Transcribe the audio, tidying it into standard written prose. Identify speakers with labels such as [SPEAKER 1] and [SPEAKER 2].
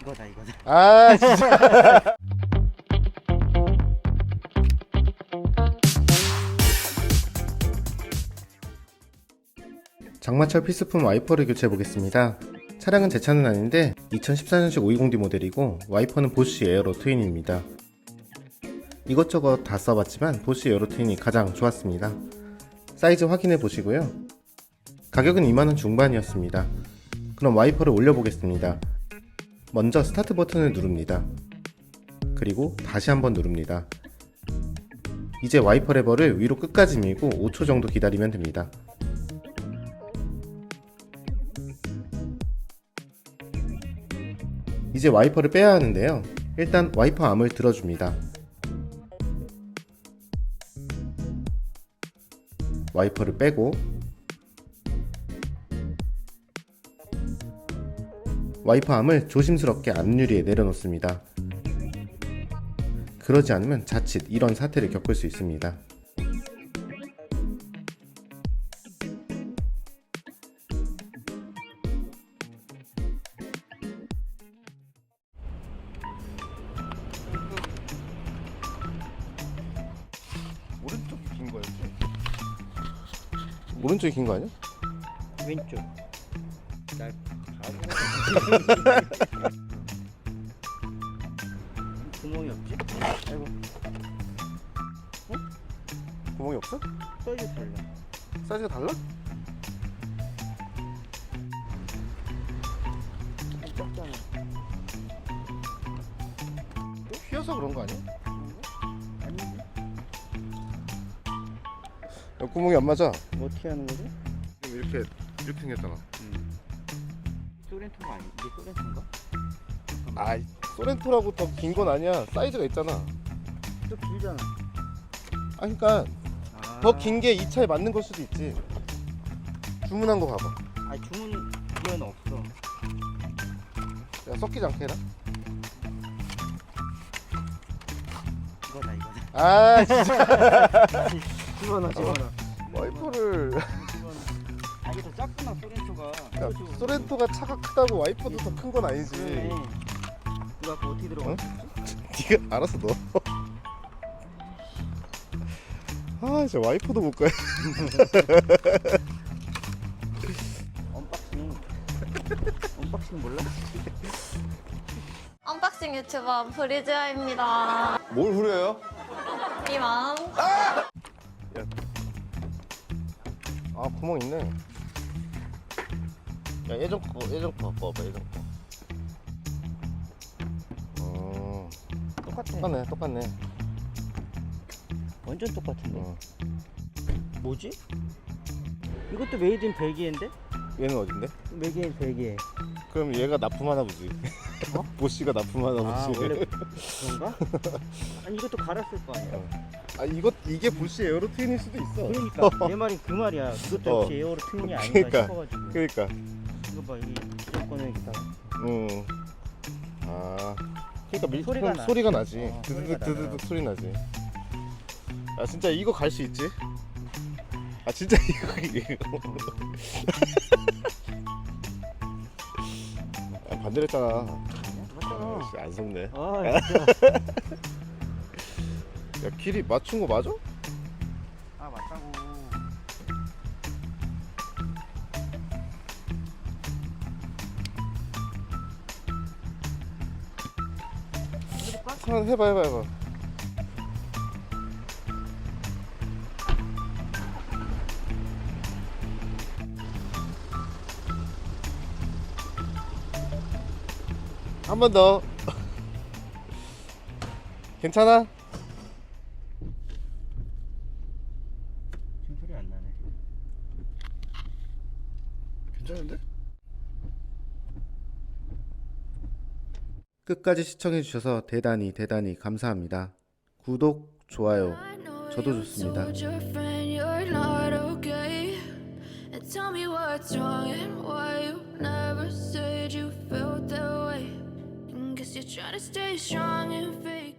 [SPEAKER 1] 이거다.
[SPEAKER 2] 아 진짜. 장마철 필수품 와이퍼를 교체해 보겠습니다. 차량은 제 차는 아닌데 2014년식 520D 모델이고 와이퍼는 보쉬 에어로 트윈입니다. 이것저것 다 써봤지만 보쉬 에어로 트윈이 가장 좋았습니다. 사이즈 확인해 보시고요. 가격은 2만원 중반이었습니다. 그럼 와이퍼를 올려보겠습니다. 먼저 스타트 버튼을 누릅니다. 그리고 다시 한번 누릅니다. 이제 와이퍼 레버를 위로 끝까지 밀고 5초 정도 기다리면 됩니다. 이제 와이퍼를 빼야 하는데요. 일단 와이퍼 암을 들어줍니다. 와이퍼를 빼고 와이퍼 암을 조심스럽게 앞유리에 내려놓습니다. 그러지 않으면 자칫 이런 사태를 겪을 수 있습니다. 오른쪽이 긴 거였지? 오른쪽이 긴 거 아니야?
[SPEAKER 1] 왼쪽. 날 구멍이 없지? 아이고.
[SPEAKER 2] 구멍이 없어?
[SPEAKER 1] 사이즈 달라.
[SPEAKER 2] 사이즈가 달라?
[SPEAKER 1] 작잖아.
[SPEAKER 2] 휘어서 그런 거 아니야?
[SPEAKER 1] 아닌데?
[SPEAKER 2] 야, 구멍이 안 맞아.
[SPEAKER 1] 뭐 어떻게 하는 거지?
[SPEAKER 2] 이렇게 생겼잖아.
[SPEAKER 1] 소렌토가 아니? 이게 소렌토인가?
[SPEAKER 2] 아, 소렌토라고 더 긴 건 아니야. 사이즈가 있잖아.
[SPEAKER 1] 좀 길잖아.
[SPEAKER 2] 아, 그러니까 더 긴 게 이 차에 맞는 걸 수도 있지. 주문한 거 봐봐.
[SPEAKER 1] 아니 주문은 없어.
[SPEAKER 2] 야, 섞이지 않게 해라.
[SPEAKER 1] 이거다.
[SPEAKER 2] 아, 진짜.
[SPEAKER 1] 집어넣어.
[SPEAKER 2] 와이퍼를.
[SPEAKER 1] 아 이게 더 작구나 소렌토가.
[SPEAKER 2] 야, 소렌토가 차가 크다고 와이퍼도 더 큰 건 아니지.
[SPEAKER 1] 그러네. 이거 아까 어떻게 들어가?
[SPEAKER 2] 응? 네가 알아서 넣어. 아, 진짜 와이퍼도 못 가.
[SPEAKER 1] 언박싱 몰라?
[SPEAKER 3] 언박싱 유튜버 브리즈아입니다.
[SPEAKER 2] 뭘 후려요?
[SPEAKER 3] 이만.
[SPEAKER 2] 아, 구멍 있네. 야, 예전 거 봐봐, 예전 거.
[SPEAKER 1] 똑같아.
[SPEAKER 2] 똑같네.
[SPEAKER 1] 완전 똑같은데.
[SPEAKER 2] 어.
[SPEAKER 1] 뭐지? 이것도 메이드 인 벨기에인데?
[SPEAKER 2] 얘는 어딘데?
[SPEAKER 1] 메이드 인 벨기에.
[SPEAKER 2] 그럼 얘가 납품하나 보지.
[SPEAKER 1] 어?
[SPEAKER 2] 보씨가 납품하나
[SPEAKER 1] 아
[SPEAKER 2] 보지.
[SPEAKER 1] 원래 그런가? 아니 이것도 갈았을 거 아니야.
[SPEAKER 2] 아, 이게 보씨 에어로 트윈일 수도 있어.
[SPEAKER 1] 그러니까 내 말이 그 말이야. 그것도 역시 에어로 트윈이 아닌가
[SPEAKER 2] 그러니까.
[SPEAKER 1] 싶어가지고.
[SPEAKER 2] 그러니까.
[SPEAKER 1] 이거 봐, 이 무조건은 여기다.
[SPEAKER 2] 아, 그러니까
[SPEAKER 1] 소리가 나.
[SPEAKER 2] 소리가 나지.
[SPEAKER 1] 소리가
[SPEAKER 2] 드드득 드드득
[SPEAKER 1] 나더라고.
[SPEAKER 2] 소리 나지. 아, 진짜 이거 갈 수 있지? 아, 진짜 이거. 아, 반대로 했잖아.
[SPEAKER 1] 맞잖아.
[SPEAKER 2] 씨, 안 속네.
[SPEAKER 1] 아 진짜.
[SPEAKER 2] 야, 길이 맞춘 거 맞아?
[SPEAKER 1] 아 맞다고.
[SPEAKER 2] 하나 해봐. 한 번 더. 괜찮아?
[SPEAKER 1] 지금 소리 안 나네.
[SPEAKER 2] 괜찮은데? 끝까지 시청해주셔서 대단히 감사합니다. 구독, 좋아요, 저도 좋습니다.
[SPEAKER 4] Tell me what's wrong and why you never said you felt that way. And guess you're trying to stay strong and fake